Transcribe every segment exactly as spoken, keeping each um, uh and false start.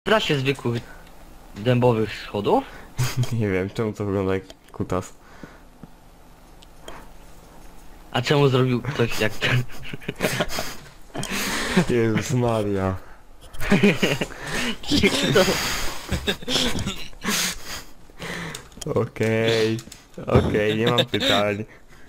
Da się zwykłych dębowych schodów? Nie wiem, czemu to wygląda jak kutas. A czemu zrobił ktoś jak ten? Jezus Maria. To... Okej, okej, nie mam pytań.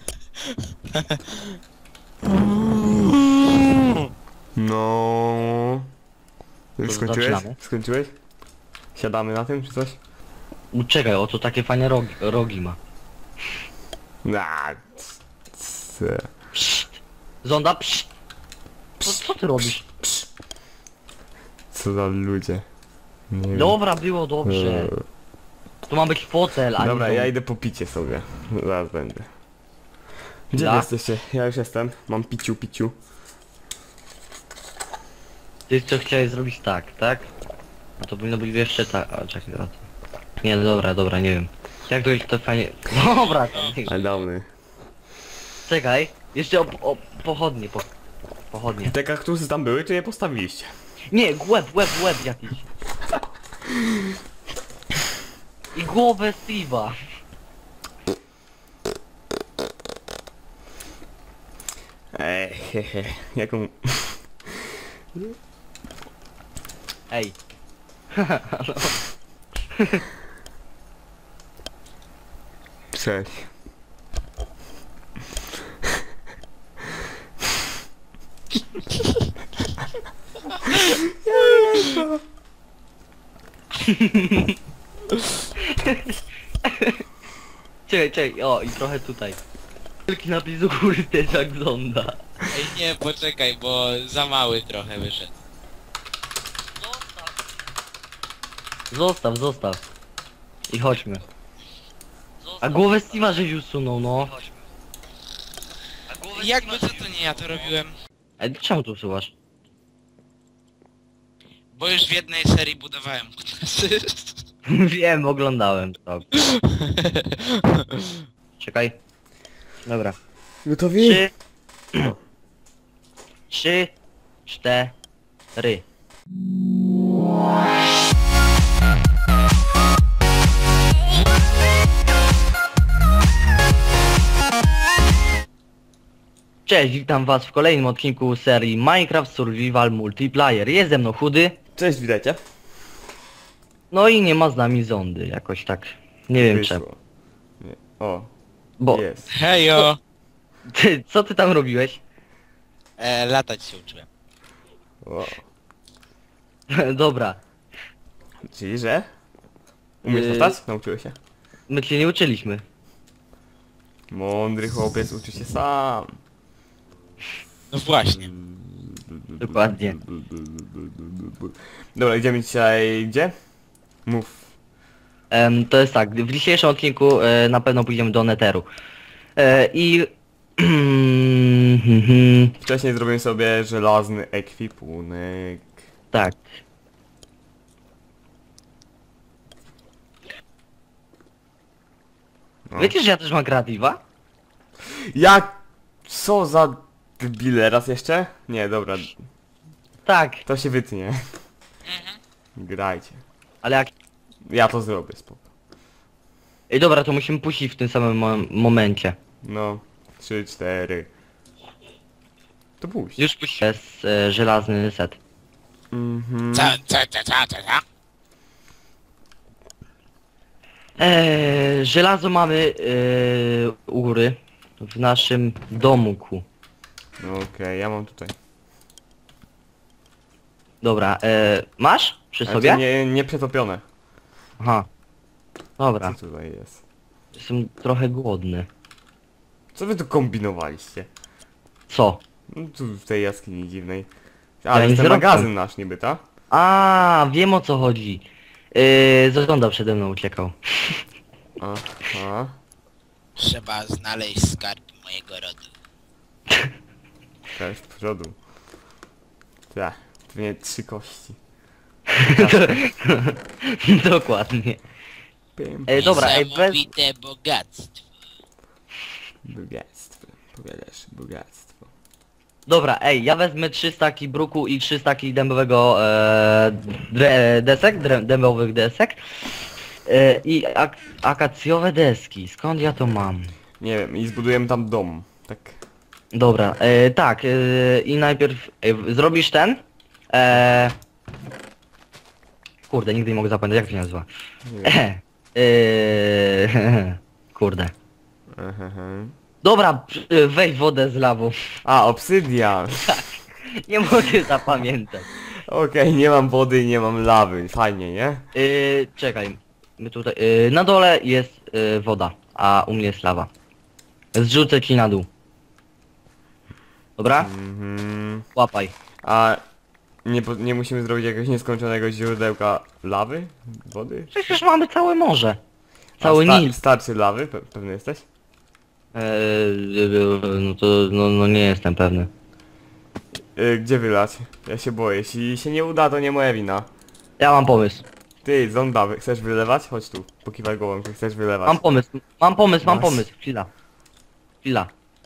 No. Już To skończyłeś? zaczynamy. Skończyłeś? Siadamy na tym czy coś? Czekaj, oto takie fajne rogi, rogi ma. Na. c- Pszt. Zonda, pszt. Co, co ty robisz? Co za ludzie. Nie wiem. Dobra, było dobrze. Eee, To ma być fotel, a Dobra, nie ja dom. idę po picie sobie. Zaraz będę. Gdzie Ja? wy jesteście? Ja już jestem. Mam piciu, piciu. Ty co chciałeś zrobić tak, tak? No to powinno być jeszcze tak. A czekaj, a to... Nie, no dobra, dobra, nie wiem. Jak to jest to fajnie. Dobra, tam. nie- Ale dawny. Czekaj, jeszcze o, o pochodnie, po, pochodnie. Te kaktusy tam były, czy je postawiliście? Nie, łeb, łeb, łeb jakiś. I głowę Steve'a. Ej, hehe. Jaką... Ej. Cześć. Czekaj, czekaj, o i trochę tutaj. Wielki napis u góry też jak zonda. Ej nie, poczekaj, bo za mały trochę wyszedł. Zostaw, zostaw. I chodźmy. A głowę Steve'a żeś usunął, no. Jakby co to nie ja to robiłem? Ej, czemu tu usuwasz? Bo już w jednej serii budowałem kutasy. Wiem, oglądałem to. Czekaj. Dobra. Gotowi? Trzy. Trzy. Cztery. Cześć, witam was w kolejnym odcinku serii Minecraft Survival Multiplayer. Jest ze mną Chudy, Cześć, witajcie. no i nie ma z nami Zondy, jakoś tak. Nie wiem czemu. Wyszło. Nie. O, Bo, jest. Hejo! ty, co ty tam robiłeś? E, latać się uczyłem. O. Dobra, Czyli, że? Umiesz Yy. latać? Nauczyłeś się? my cię nie uczyliśmy. Mądry chłopiec uczy się sam. No właśnie. Dokładnie. Dobra, idziemy dzisiaj gdzie? Mów. Em, to jest tak, w dzisiejszym odcinku e, na pewno pójdziemy do Netheru. E, I... Wcześniej zrobiłem sobie żelazny ekwipunek. tak. No. Wiecie, że ja też mam kreatywa? Jak? Co za debile? Raz jeszcze? Nie, dobra. Tak, To się wytnie. Grajcie. ale jak... Ja to zrobię, spoko. Ej, dobra, to musimy puścić w tym samym mo momencie. No. Trzy, cztery. To puść. Już puściłem. Jest e, żelazny set. Mhm. Co, co, co, co, co, co? Eee, żelazo mamy eee, u góry w naszym domku. No okej, ja mam tutaj. Dobra, eee, masz przy Ale sobie? to nie, nie przetopione. Aha. Dobra, Co tutaj jest? jestem trochę głodny. Co wy tu kombinowaliście? Co? No tu w tej jaskini dziwnej. Ja Ale nic jest ten nie robię. magazyn nasz niby, ta? A, wiem o co chodzi. Eee, Zagląda przede mną uciekał. Aha. Trzeba znaleźć skarb mojego rodu. To jest w przodu. Tak, pewnie trzy kości. Dokładnie. Pim, Ej, dobra, ej, bez... Niesamowite bogactwo. Bogactwo. Powiadasz, bogactwo. Dobra, ej, ja wezmę trzy staki bruku i trzy staki dębowego e, dre, desek, dre, dębowych desek. E, I ak akacjowe deski. Skąd ja to mam? Nie wiem, i zbudujemy tam dom. Tak. Dobra, e, tak, e, i najpierw e, zrobisz ten. E, kurde, nigdy nie mogę zapamiętać, jak to się nazywa. Nie wiem. E, kurde. Aha. Dobra, e, weź wodę z lawą. A, obsydian. Nie mogę zapamiętać. Okej, nie mam wody i nie mam lawy. Fajnie, nie? Yy, czekaj. My tutaj. Yy, na dole jest yy, woda, a u mnie jest lawa. Zrzucę ci na dół. Dobra? Mhm. Łapaj. A nie, po- nie musimy zrobić jakiegoś nieskończonego źródełka lawy? Wody? Przecież mamy całe morze. A Cały sta- Nil. Starczy lawy? Pe pewny jesteś? Yy, yy, no to no, no nie jestem pewny. Yy, gdzie wylać? Ja się boję. Jeśli się nie uda, to nie moja wina. Ja mam pomysł. Ty, zonda, wy- chcesz wylewać? Chodź tu. Pokiwaj głową, czy chcesz wylewać. Mam pomysł. Mam pomysł, mam Masz. pomysł. Chwila. Chwila.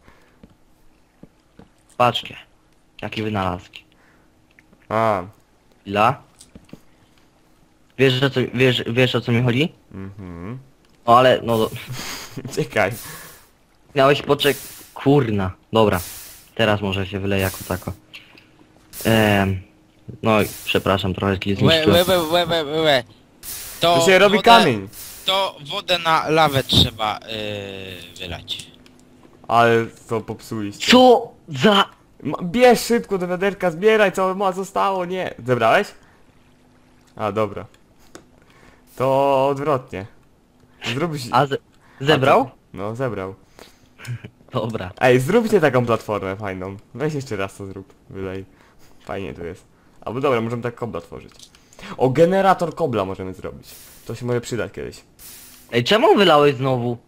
Patrzcie. Jaki wynalazki. A, Chwila. Wiesz, o co, wiesz, wiesz o co mi chodzi? mhm. No ale, no... Czekaj. Miałeś poczek... Kurna. Dobra. Teraz może się wyleje jako tako. Ehm... No i przepraszam, trochę ci Łe, zniszczyłem. łe, łe, łe, łe, łe. To, To się robi wodę- kamień. To wodę na lawę trzeba yy, wylać. Ale co popsuliście. Co za... Ma- Bierz szybko do wiaderka, zbieraj co ma zostało, nie. Zebrałeś? A, dobra. To odwrotnie. Zrób... A ze... zebrał? No, zebrał. Dobra. Ej, zróbcie taką platformę fajną. Weź jeszcze raz to zrób. Wylej. Fajnie tu jest. Albo dobra, możemy tak kobla tworzyć. O, generator kobla możemy zrobić. To się może przydać kiedyś. Ej, czemu wylałeś znowu?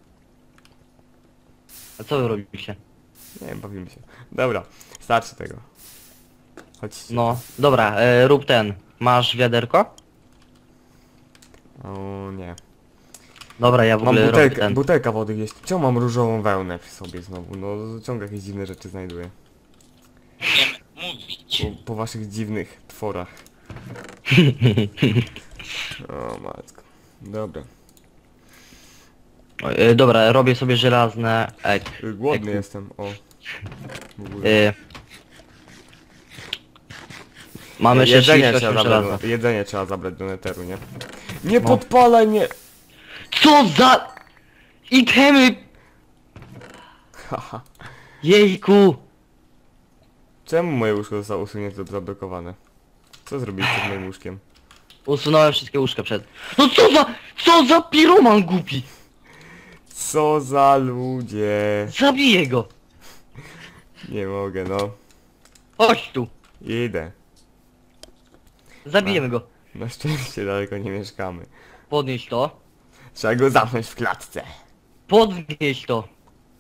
A co wy robicie? Nie wiem, bawimy się. Dobra, starczy tego. Chodźcie. No, dobra, e, rób ten. Masz wiaderko? O nie. Dobra, ja w Mam ogóle robię butelkę, ten. butelka wody gdzieś. Czemu mam różową wełnę przy sobie znowu? No ciągle jakieś dziwne rzeczy znajduję. Wiem mówić. Po, po waszych dziwnych tworach. O matko. Dobra. O, e, dobra, robię sobie żelazne... Ej, Y, Głodny Eku. jestem, o. W ogóle. e, Mamy jeszcze jedzenie, trzydzieści trzeba osiem zabrać żelaza. do, jedzenie trzeba zabrać do neteru, nie? Nie No. podpalaj mnie! Co za... Itemy! Haha. Jejku! Czemu moje łóżko zostało usunięte lub zablokowane? Co zrobiliście z moim łóżkiem? Usunąłem wszystkie łóżka przed... No co za... Co za piroman głupi! Co za ludzie! Zabiję go! Nie mogę, no. Chodź tu! Idę. Zabijemy go. Na szczęście daleko nie mieszkamy. Podnieś to. Trzeba go zamknąć w klatce. Podnieś to.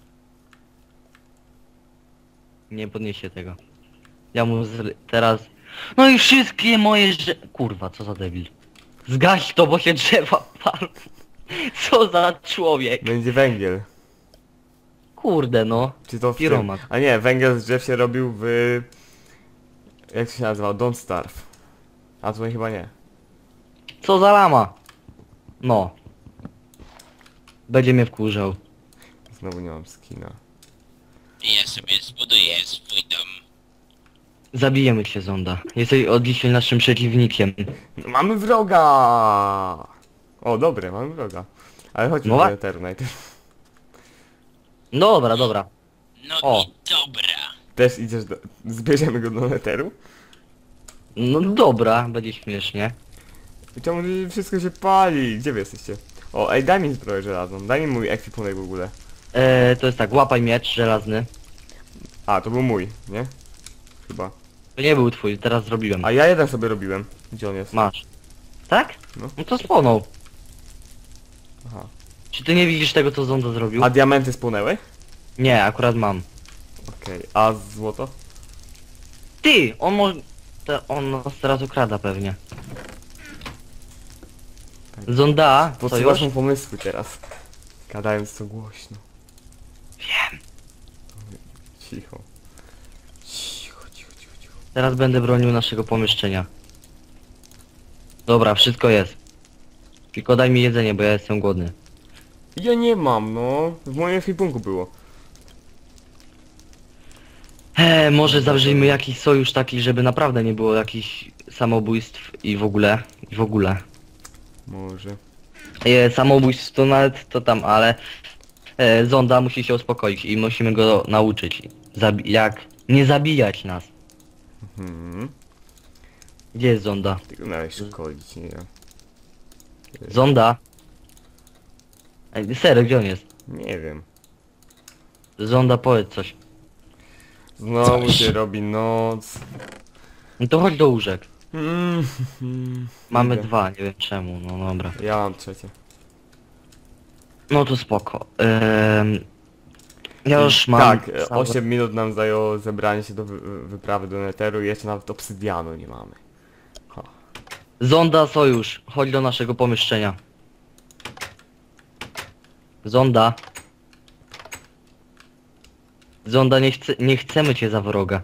Nie podniesie tego. Ja mu zr... teraz... No i wszystkie moje że... Kurwa, co za debil. Zgaś to, bo się drzewa palą. Co za człowiek. Będzie węgiel. Kurde no. Czy to w tym? Piroman. A nie, węgiel z drzew się robił w... Jak to się nazywa? Don't Starve. A tutaj chyba nie. Co za lama. No. Będzie mnie wkurzał. Znowu nie mam skina. Ja sobie zbuduję swój dom. Zabijemy cię, Zonda. Jesteś od dzisiaj naszym przeciwnikiem. No, mamy wroga! O, dobre, mamy wroga. Ale chodźmy No do wa- neteru najpierw. Dobra, dobra. No O. i dobra. Też idziesz do... Zbierzemy go do neteru? No dobra, będzie śmiesznie. I czemu tu wszystko się pali? Gdzie wy jesteście? O, ej, daj mi zbroję żelazną. Daj mi mój ekwipunek w ogóle. E, to jest tak, łapaj miecz żelazny. A, to był mój, nie? Chyba. To nie był twój, teraz zrobiłem. A ja jeden sobie robiłem. Gdzie on jest? Masz. Tak? No. No to spłonął. Aha. Czy ty nie widzisz tego, co Zonda zrobił? A diamenty spłonęły? Nie, akurat mam. Okej, a złoto? Ty! On może... Te, on nas teraz ukrada pewnie. Zonda, co już? Podsuwasz mu pomysły teraz. Gadając to głośno. Wiem. Cicho. Cicho. Teraz będę bronił naszego pomieszczenia. Dobra, wszystko jest. Tylko daj mi jedzenie, bo ja jestem głodny. Ja nie mam, no. W moim ekwipunku było. Eee, może zawrzyjmy jakiś sojusz taki, żeby naprawdę nie było jakichś samobójstw i w ogóle, i w ogóle. Może. E, samobójstw to nawet to tam, ale e, Zonda musi się uspokoić i musimy go nauczyć. Zabi jak nie zabijać nas. Hmm. Gdzie jest Zonda? Tylko miałeś szkolić, nie ja. Zonda? Ej, serio, gdzie on jest? Nie wiem. Zonda, powiedz coś. Znowu Coś. się robi noc. No to chodź do łóżek. Mm, mm, Mamy idę. dwa, nie wiem czemu, no dobra. Ja mam trzecie. No to spoko. Ehm, ja już mam... Tak, e, całe- osiem minut nam zajęło zebranie się do wy wyprawy do Netheru i jeszcze nawet obsydianu nie mamy. Ha. Zonda, sojusz, chodź do naszego pomieszczenia. Zonda. Zonda, nie, chce, nie chcemy cię za wroga.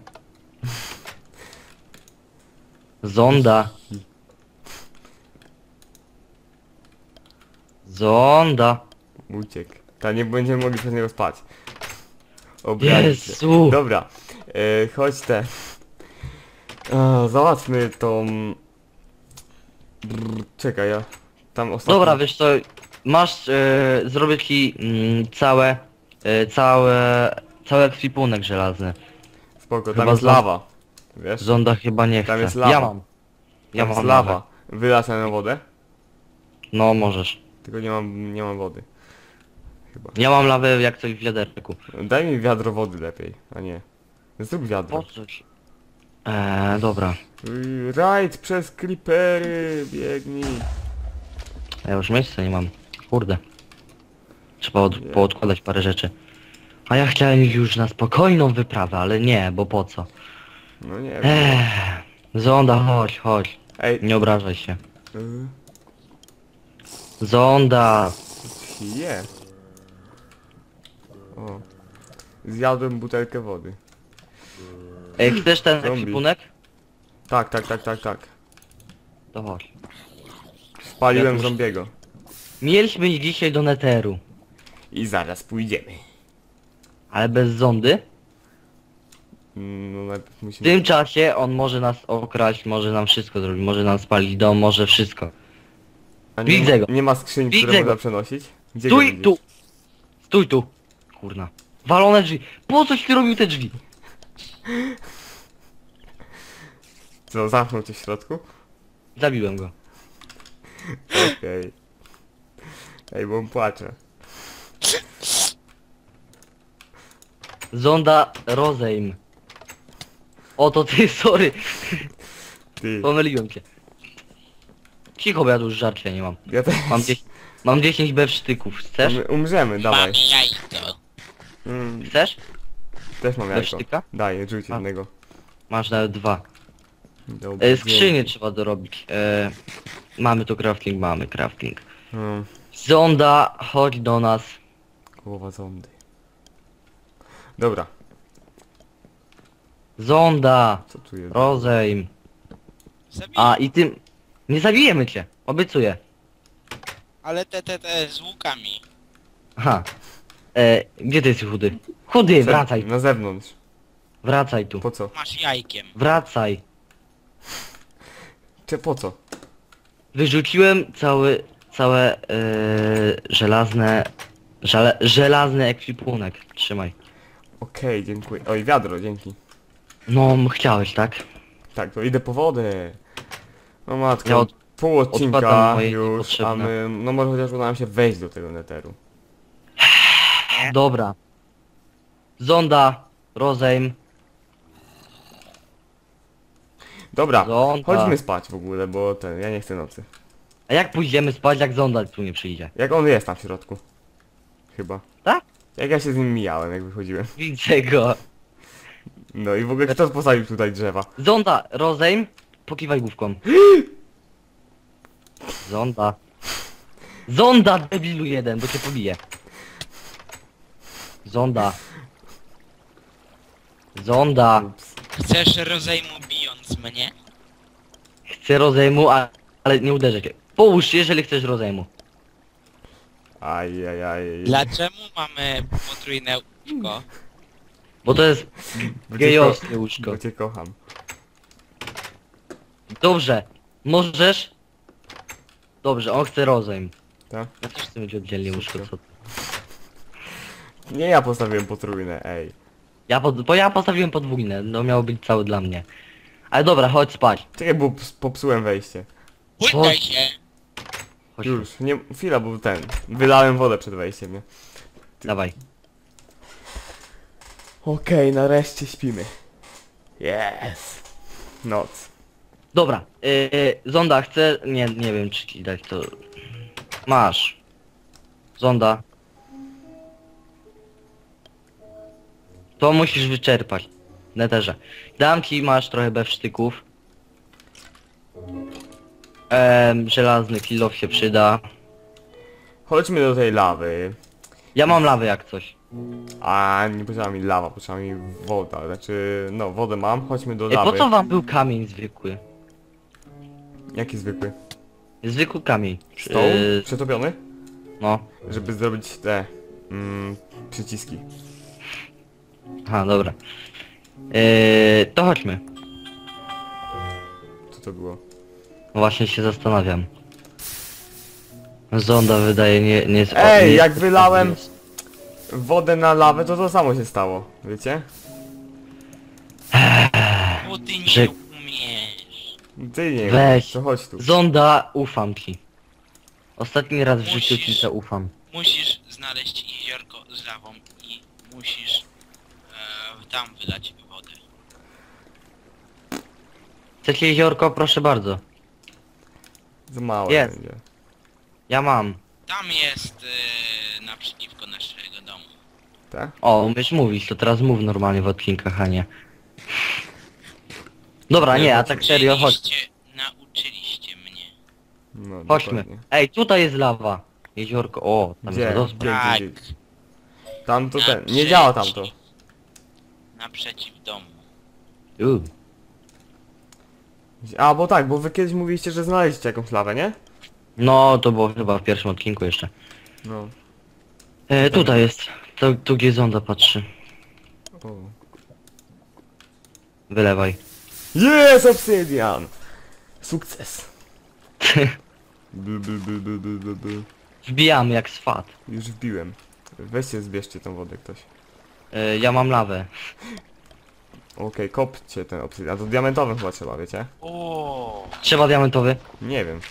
Zonda. Zonda. Uciekł. Ta nie będziemy mogli przez niego spać. Obrazić się. Jezu. Dobra, e, chodź te. E, załatwmy tą... Brr, czekaj, ja... Tam ostatnio... Dobra, wiesz co, masz, e, zrobię ci mm, całe, e, całe, cały ekwipunek żelazny. Spoko, tam chyba jest za- lawa. Wiesz? Zonda chyba nie chce. Tam jest lawa. Ja mam. Ja Tam mam jest lawę. lawa. Wylać na wodę? No możesz. Tylko nie mam, nie mam wody. Chyba. Ja mam lawę jak coś w wiaderku. Daj mi wiadro wody lepiej, a nie. Zrób wiadro. Po coś. Eee, dobra. Yy, Rajd przez creepery, biegnij. Ja już miejsca nie mam. Kurde. Trzeba od, poodkładać parę rzeczy. A ja chciałem iść już na spokojną wyprawę, ale nie, bo po co? No nie wiem. Eee, Zonda, chodź, chodź. Ej, Nie obrażaj się. yy, Zonda. je. O. Zjadłem butelkę wody. Ej, chcesz ten Zombie. ekwipunek? Tak, tak, tak, tak, tak. To chodź. Spaliłem Ja tu już- zombiego. Mieliśmy iść dzisiaj do Netheru, I zaraz pójdziemy. ale bez zondy. Mm, No najpierw W musimy... tym czasie on może nas okraść, może nam wszystko zrobić, może nam spalić dom, może wszystko. A nie, widzę go. nie ma skrzyń, Widzę które go. można przenosić? Gdzie go Stój widzisz? tu! Stój tu! Kurna. Walone drzwi. Po coś ty robił te drzwi? Co, zamknął cię w środku? Zabiłem go. Okej. Ej, bo on płacze. Zonda rozejm. Oto ty, sorry. Ty. Pomyliłem cię. Cicho, bo ja tu już żarcia nie mam. Ja też. Mam, dzie mam dziesięć bewsztyków. Chcesz? Um, umrzemy, dawaj. Mam jajko. Mm, Chcesz? też mam jajko. Bewsztyka? Daj, rzuć A. jednego. Masz nawet dwa. Dobra, E, skrzynię trzeba dorobić. E, mamy tu crafting, mamy crafting. Hmm, Zonda, chodź do nas. głowa zondy. Dobra, Zonda, co tu jest? rozejm. Zabiję. A i tym... Nie zabijemy cię, obiecuję. Ale te, te, te z łukami. Aha. E, gdzie ty jesteś chudy? Chudy, Przed- wracaj. Na zewnątrz. Wracaj tu. Po co? Masz jajkiem. Wracaj. Czy po co? Wyrzuciłem cały, całe e, żelazne... Żele, żelazny ekwipunek. Trzymaj. Okej, dziękuję. Oj, wiadro, dzięki. No, m- chciałeś, tak? Tak, to idę po wodę. No matko, Ja od- pół odkładam odcinka moje już, a niepotrzebne. my, no może chociaż uda nam się wejść do tego netheru. Dobra. Zonda, rozejm. Dobra, Zonda. chodźmy spać w ogóle, bo ten, ja nie chcę nocy. A jak pójdziemy spać, jak Zonda tu nie przyjdzie? Jak on jest tam w środku? Chyba. Tak? Jak ja się z nim mijałem, jak wychodziłem. Widzę go. No i w ogóle kto postawił tutaj drzewa? Zonda, rozejm. Pokiwaj główką. Zonda. Zonda, debilu jeden, bo cię pobije. Zonda. Zonda. Ups. Chcesz rozejmu mnie? Chcę rozejmu, a, ale nie uderzę cię. Połóż się, jeżeli chcesz rozejmu. Aj, aj, aj. Dlaczego mamy potrójne łóżko? Bo to jest Bo cię gejowskie ko- łóżko. Bo cię kocham. Dobrze. Możesz? Dobrze, on chce rozejm. Tak? Ja też chcę mieć oddzielnie łóżko, co? Nie ja postawiłem potrójne, ej. Ja pod, bo ja postawiłem podwójne, no miało być całe dla mnie. Ale dobra, chodź spać. Czekaj, bo ps- popsułem wejście. Błykaj się! Chodź, Już, nie, chwila, bo ten, wylałem wodę przed wejściem, nie? dawaj. Okej, nareszcie śpimy. Yes. Noc. Dobra, yy, zonda chcę... Nie, nie wiem czy ci dać to... Masz. Zonda. To musisz wyczerpać. W neterze. Dam ci, masz trochę bewsztyków. Ehm, żelazny kilof się przyda. Chodźmy do tej lawy. Ja mam lawę jak coś. A nie potrzeba mi lawa, potrzeba mi woda. Znaczy, no wodę mam, chodźmy do Ej, po lawy. co wam był kamień zwykły? Jaki zwykły? Zwykły kamień. Stoł? Yy, Przetopiony? no. Żeby zrobić te mm, przyciski. Aha, dobra. Yy, to chodźmy. Co to było? Właśnie się zastanawiam. Zonda wydaje nie, nie jest... Ej, nie jak jest- wylałem wodę na lawę, to to samo się stało, wiecie? Bo ty nie Że- umiesz. Ty nie Weź. to chodź tu. Zonda, ufam ci. Ostatni raz w życiu ci Musisz. to ufam. Musisz znaleźć jeziorko z lawą i musisz e, tam wylać wodę. Chcecie jeziorko? Proszę bardzo. Za małe Jest. będzie. Ja mam. Tam jest e, naprzeciwko naszego domu. Tak? O, umiesz mówić, to teraz mów normalnie w odcinkach, a nie. Dobra, nie, a tak serio, chodź. Nauczyliście, nauczyliście mnie. No, Chodźmy. dokładnie. Ej, tutaj jest lawa. Jeziorko, o, tam Gdzie? jest wodospad. Gdzie, Tak. gdzie, gdzie? Tam to ten, nie Naprzeciw. działa tamto. Naprzeciw domu. U. A, bo tak, bo wy kiedyś mówiliście, że znaleźliście jakąś lawę, nie? No, to było chyba w pierwszym odcinku jeszcze. No. E, tutaj jest. To, tu gdzie zonda patrzy. O. Wylewaj. Jest obsydian! Sukces. Bl, bl, bl, bl, bl, bl, bl. Wbijamy jak swat. Już wbiłem. Weźcie, zbierzcie tą wodę ktoś. E, ja mam lawę. Okej, kopcie ten obsydian. A to diamentowym chyba trzeba, wiecie? O, Trzeba diamentowy? Nie wiem.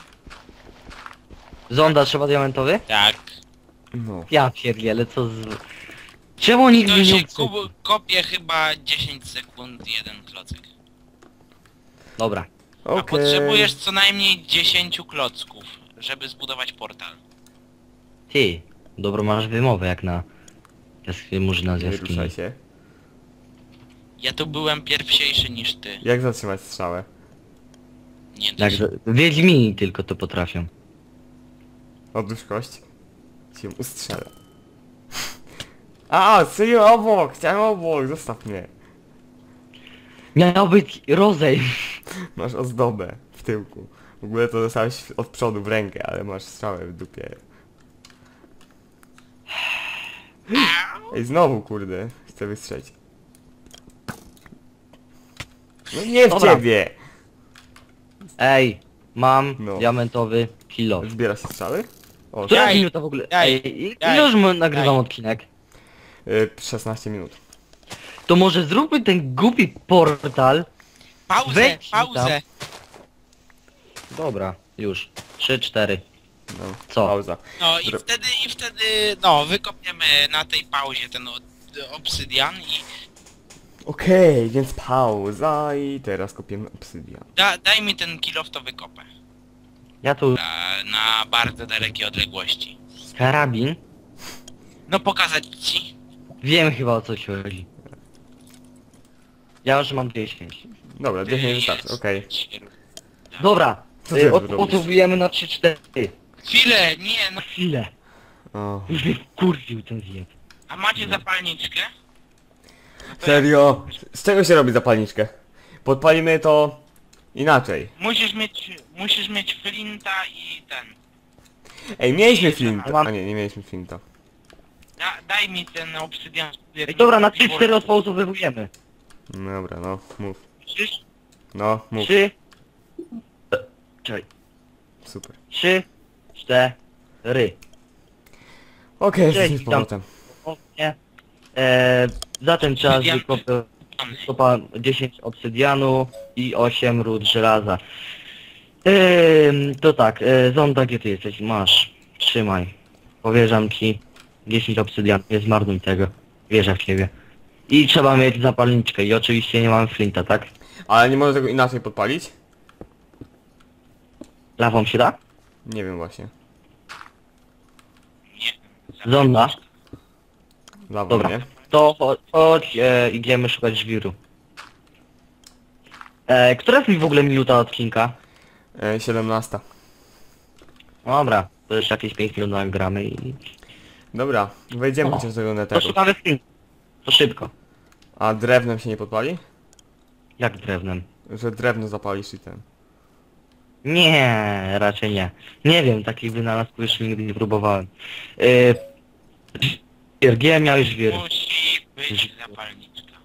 Zonda trzeba diamentowy? tak. No. Ja pierdzielę, co z... Czemu nikt To mnie nie się uczył? kup- kopie chyba dziesięć sekund jeden klocek. Dobra. A Okej. potrzebujesz co najmniej dziesięć klocków, żeby zbudować portal. Ty, dobro masz wymowę jak na... jask- Murzyna z Nie jaskini. ruszaj się. Ja tu byłem pierwsiejszy niż ty. Jak zatrzymać strzałę? Nie Jak dość. za... Wiedźmini tylko to potrafią. Odłóż kość. Cię ustrzelę. A, strzeliłem obok! Chciałem obok! Zostaw mnie. Miał być rozejm. Masz ozdobę w tyłku. W ogóle to dostałeś od przodu w rękę, ale masz strzałę w dupie. Ej, znowu kurde. Chcę wystrzelić. No nie w Dobra. ciebie! Ej, mam No. diamentowy kilo. Zbiera się strzały? O, Która Jaj, minuta w ogóle? jaj, Ej, i- jaj, ile już my nagrywam jaj. odcinek? y, szesnaście minut. To może zróbmy ten głupi portal. Pauzę, Wejdź pauzę. Dobra, już. Trzy, cztery. No, Co? pauza. No i Dro- wtedy, i wtedy, no, wykopiemy na tej pauzie ten od, obsydian i Okej, więc pauza i teraz kopiemy obsydian. da, daj mi ten kilof, to wykopę. Ja tu Na, na bardzo dalekie odległości. karabin. No pokazać ci. Wiem chyba o co ci chodzi. Ja już mam dziesięć. Dobra, dziesięć wystarczy, okej. Dobra, Co ty y, robisz? odbudowujemy na trzy, cztery. Chwilę, nie, no. Chwilę. O. Już mnie wkurwił ten zjeb. A macie zapalniczkę? No to Serio? Z czego się robi zapalniczkę? Podpalimy to Inaczej. Musisz mieć, musisz mieć flinta i ten. Ej, mieliśmy I flinta. mam- A nie, nie mieliśmy flinta. Da, daj mi ten obsydian. Ej, dobra, na trzy cztery odpauzowywujemy. Dobra, no, mów. Trzy, No, mów. trzy... E, Czekaj. Super. Trzy, cztery. Okej, Cześć, jesteśmy z witam. powrotem. O, nie. E, za ten czas Obsydian. wykopę wykopałem dziesięć obsydianu i osiem ród żelaza. Ehm, to tak, e, Zonda, gdzie ty jesteś? Masz. Trzymaj. Powierzam ci dziesięć obsydian, nie zmarnuj tego. Wierzę w ciebie. I trzeba mieć zapalniczkę i oczywiście nie mam flinta, tak? Ale nie można tego inaczej podpalić? Lawą się da? Nie wiem właśnie. Nie. Zonda. Lawą, Dobra. nie? To cho- chodź, e, idziemy szukać żwiru. E, która jest mi w ogóle minuta odcinka? E, siedemnasta. Dobra, to już jakieś pięć minut nagramy i... Dobra, wejdziemy O, chociaż do tego To neteru. szukamy flint. To szybko. A drewnem się nie podpali? Jak drewnem? Że Że drewno zapalisz i ten. Nie, raczej nie. Nie wiem, takich wynalazków jeszcze nigdy nie próbowałem. Yy... Żwir, gdzie miałeś żwir? Musi być zapalniczka.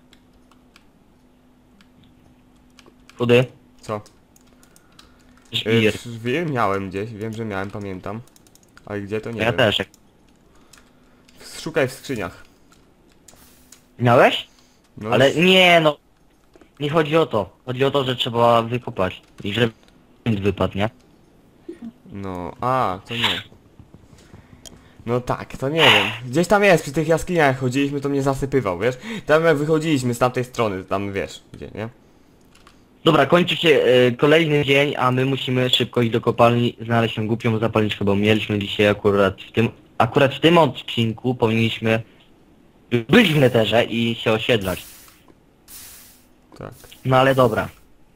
Chudy? Co? E, Żwir. Żwir miałem gdzieś, wiem, że miałem, pamiętam. Ale gdzie to nie Ja wiem. też. Szukaj w skrzyniach. Miałeś? No, Ale nie no. Nie chodzi o to. Chodzi o to, że trzeba wykopać. I że flint wypadł, nie? No, a, to nie. No tak, to nie wiem. Gdzieś tam jest, przy tych jaskiniach jak chodziliśmy, to mnie zasypywał, wiesz? Tam jak wychodziliśmy z tamtej strony, tam wiesz, gdzie, nie? Dobra, kończy się e, kolejny dzień, a my musimy szybko iść do kopalni, znaleźć tę głupią zapalniczkę, bo mieliśmy dzisiaj akurat w tym, akurat w tym odcinku powinniśmy być w neterze i się osiedlać. Tak. No ale dobra.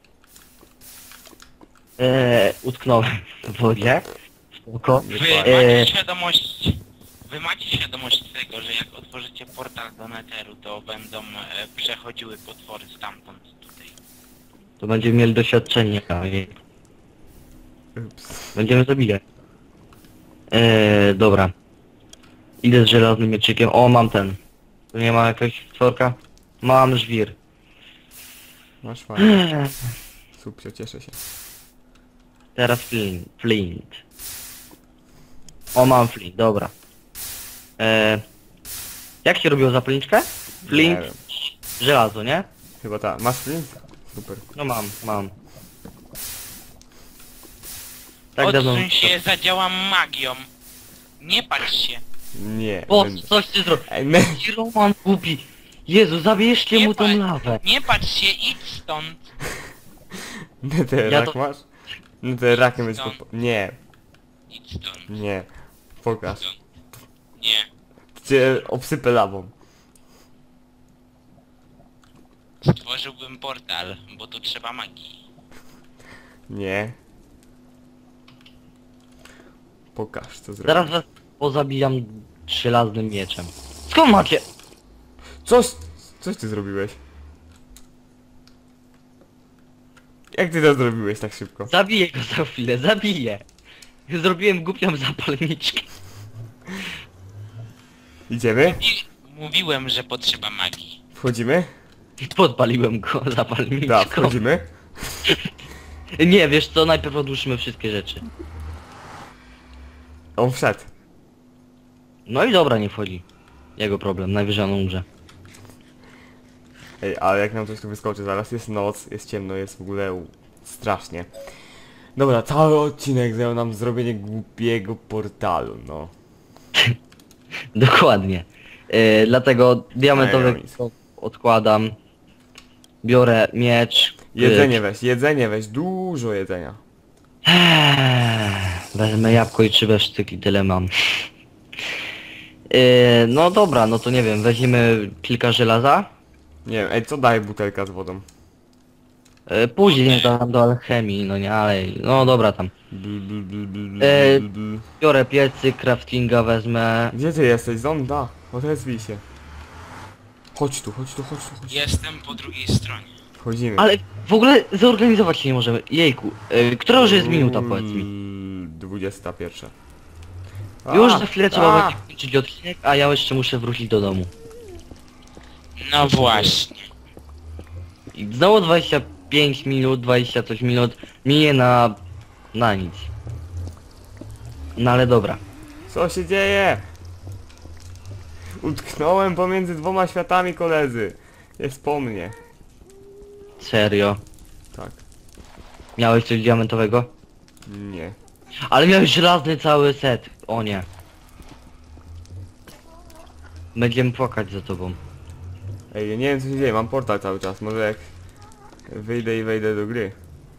Eee, utknąłem w wodzie. Spoko. Wy Eee. macie świadomość... Wy macie świadomość tego, że jak otworzycie portal do Netheru, to będą e, przechodziły potwory stamtąd tutaj. To będziemy mieli doświadczenie. i Ups. Będziemy zabijać. Eee, dobra. Idę z żelaznym mieczykiem. O, mam ten. Tu nie ma jakiegoś stworka? Mam żwir. Masz fajnie. Eee, Super, cieszę się. Teraz flint. Flint. O, mam flint, dobra. Eee, jak się robiło zapalniczkę? Flint, Nie wiem. żelazo, nie? Chyba tak. Masz flint? Super. No mam, mam. Tak dawno... Odsuń się, zadziałam magią. Nie patrz się. Nie. O, będę. coś ty zrobił. Ej, me... Roman głupi. Jezu, zabierzcie Nie mu tą pa- lawę. Nie patrz się, idź stąd. Neterak Ja to- masz? Neterakiem jest Stąd. podpa- Nie, Idź stąd. nie. Pokaż. Stąd. Nie. Cię obsypę lawą. Stworzyłbym portal, bo tu trzeba magii. Nie. Pokaż, co zrobisz. Zaraz was pozabijam żelaznym mieczem. Skąd macie? Coś, coś ty zrobiłeś. Jak ty to zrobiłeś tak szybko? Zabiję go za chwilę, zabiję. Zrobiłem głupią zapalniczkę. Idziemy? I mówiłem, że potrzeba magii. Wchodzimy? Podpaliłem go zapalniczką. Da, wchodzimy. Nie, wiesz co, najpierw odłóżmy wszystkie rzeczy. On wszedł. No i dobra, nie wchodzi. Jego problem, najwyżej on umrze. Ej, ale jak nam coś tu wyskoczy, zaraz jest noc, jest ciemno, jest w ogóle u- strasznie. Dobra, cały odcinek zajął nam zrobienie głupiego portalu, no. Dokładnie. E, dlatego diamentowy Ej, Jonis. odkładam. Biorę miecz. Jedzenie weź, jedzenie weź, dużo jedzenia. Eee, Wezmę jabłko i trzy besztyki, tyle mam. Eee, no dobra, no to nie wiem, weźmiemy kilka żelaza. Nie wiem, ej, co daje butelka z wodą? Eee, później tam do alchemii, no nie, ale... No dobra tam. Bl, bl, bl, bl, bl, Ej. bl, bl. Biorę piecyk, craftinga wezmę. Gdzie ty jesteś? Zonda? Odezwij się. Chodź tu, chodź tu, chodź tu, chodź tu. Jestem po drugiej stronie. Wchodzimy. Ale w ogóle zorganizować się nie możemy. Jejku, yy, która już jest minuta, powiedz mi? Mm, dwudziesta pierwsza. Już A, za chwilę a, trzeba będzie kończyć odcinek, a ja jeszcze muszę wrócić do domu. No właśnie. I znowu dwadzieścia pięć minut, dwadzieścia coś minut minie na... na nic. No ale dobra. Co się dzieje? Utknąłem pomiędzy dwoma światami, koledzy. Jest po mnie. Serio. Tak. Miałeś coś diamentowego? Nie. Ale miałeś żelazny cały set. O nie. Będziemy płakać za tobą. Ej, ja nie wiem co się dzieje, mam portal cały czas. Może jak wyjdę i wejdę do gry.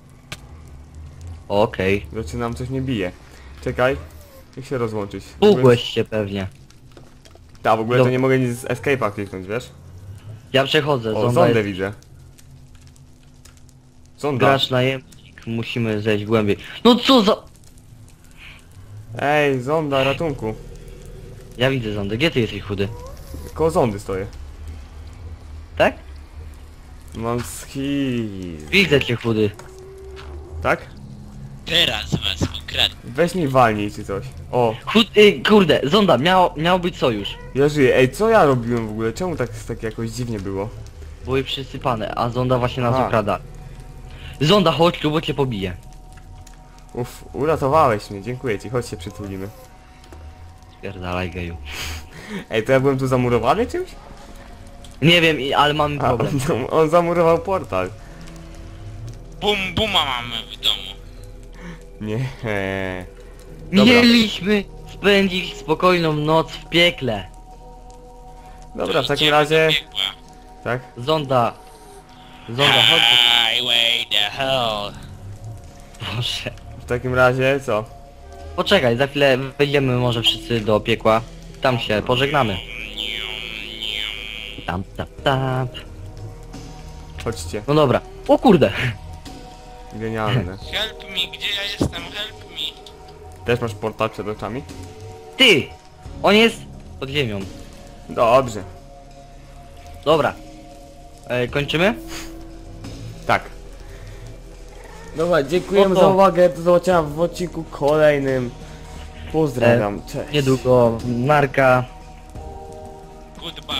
Okej. Zaczynam, coś mnie bije. Czekaj. Jak się rozłączyć? W ogóle- Pugłeś się pewnie. Ta, w ogóle to Dob- nie mogę nic z escape'a kliknąć, wiesz? Ja przechodzę. O, Zonda zondę jest... widzę. Zonda. Gracz najemnik. Musimy zejść głębiej. No co za... Ej, zonda, ratunku. Ja widzę zondę. Gdzie ty jesteś chudy? Koło zondy stoję. Tak? Mam skill. Widzę cię chudy. Tak? Teraz was ukradnę. Weź mi walnij czy coś. O, Chud... Y, kurde, zonda, miał, miał być sojusz. ja żyję. Ej, co ja robiłem w ogóle? Czemu tak, tak jakoś dziwnie było? Były przysypane, a zonda właśnie nas A. okrada. Zonda, chodź tu, bo cię pobije. Uff, uratowałeś mnie, dziękuję ci, chodź się przytulimy. Spierdalaj geju. Ej, to ja byłem tu zamurowany czymś? Nie wiem, i- ale mamy A, problem. on, on zamurował portal. Bum buma mamy w domu. Nie. Dobra. Mieliśmy spędzić spokojną noc w piekle. Dobra, w takim Idziemy razie... do piekła. Tak? Zonda. Zonda, chodź. Highway the hell. Boże. W takim razie co? Poczekaj, za chwilę wejdziemy może wszyscy do piekła. Tam się pożegnamy. Tam, tap, tap. Chodźcie. No dobra. O kurde. Genialne. Help me, gdzie ja jestem? Help me. Też masz portal przed oczami? Ty! On jest pod ziemią. Dobrze. Dobra. E, kończymy? Tak. Dobra, dziękujemy No to- za uwagę, do zobaczenia w odcinku kolejnym. Pozdrawiam, cześć. Niedługo narka. Goodbye.